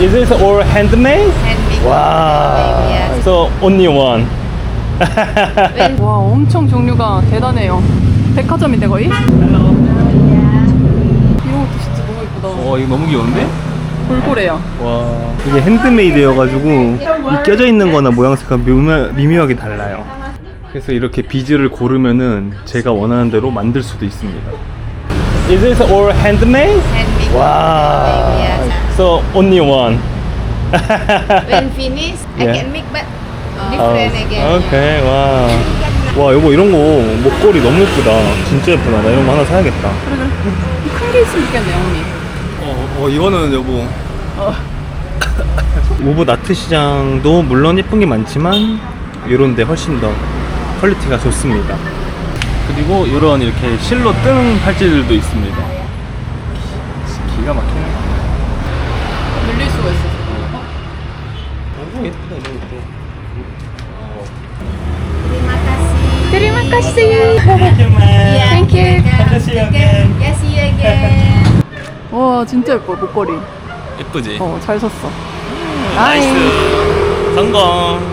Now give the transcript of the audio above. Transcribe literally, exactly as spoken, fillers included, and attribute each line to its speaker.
Speaker 1: Is this all handmade?
Speaker 2: Handmade.
Speaker 1: Wow.
Speaker 2: Yes.
Speaker 1: So only one.
Speaker 2: When
Speaker 3: 와, 엄청 종류가 대단해요. 백화점인데 거의? 이런 것도 진짜 너무 예쁘다.
Speaker 1: 어 이거 너무 귀여운데?
Speaker 3: 돌고래야.
Speaker 1: 와 이게 핸드메이드여가지고 이 껴져 있는 거나 모양새가 미묘, 미묘하게 달라요. 그래서 이렇게 비즈를 고르면은 제가 원하는 대로 만들 수도 있습니다. Is this all handmade?
Speaker 2: handmade.
Speaker 1: Wow.
Speaker 2: Yes.
Speaker 1: So only one.
Speaker 2: When finished, I
Speaker 1: Yeah.
Speaker 2: can make but different again.
Speaker 1: 어, 오케이 와. 와 여보 이런 거 목걸이 너무 예쁘다. 진짜 예쁘다. 나 이런 거 하나 사야겠다.
Speaker 3: 그래, 그래. 큰 게 있으면 좋겠네, 언니.
Speaker 1: 어, 어 이거는 여보. 오브 나트 시장도 물론 예쁜 게 많지만 이런데 훨씬 더 퀄리티가 좋습니다. 그리고 이런 이렇게 실로 뜨는 팔찌들도 있습니다. 기가 막히네.
Speaker 3: 늘릴 수가 있어.
Speaker 1: 너무 예쁘다 이런 것도.
Speaker 2: Terima kasih.
Speaker 3: Terima kasih.
Speaker 2: Yeah.
Speaker 3: Thank you.
Speaker 1: See you again.
Speaker 2: Yes, see you again.
Speaker 3: 와, 진짜 예뻐, 목걸이.
Speaker 1: 예쁘지?
Speaker 3: 어, 잘 샀어.
Speaker 1: 나이스. 성공.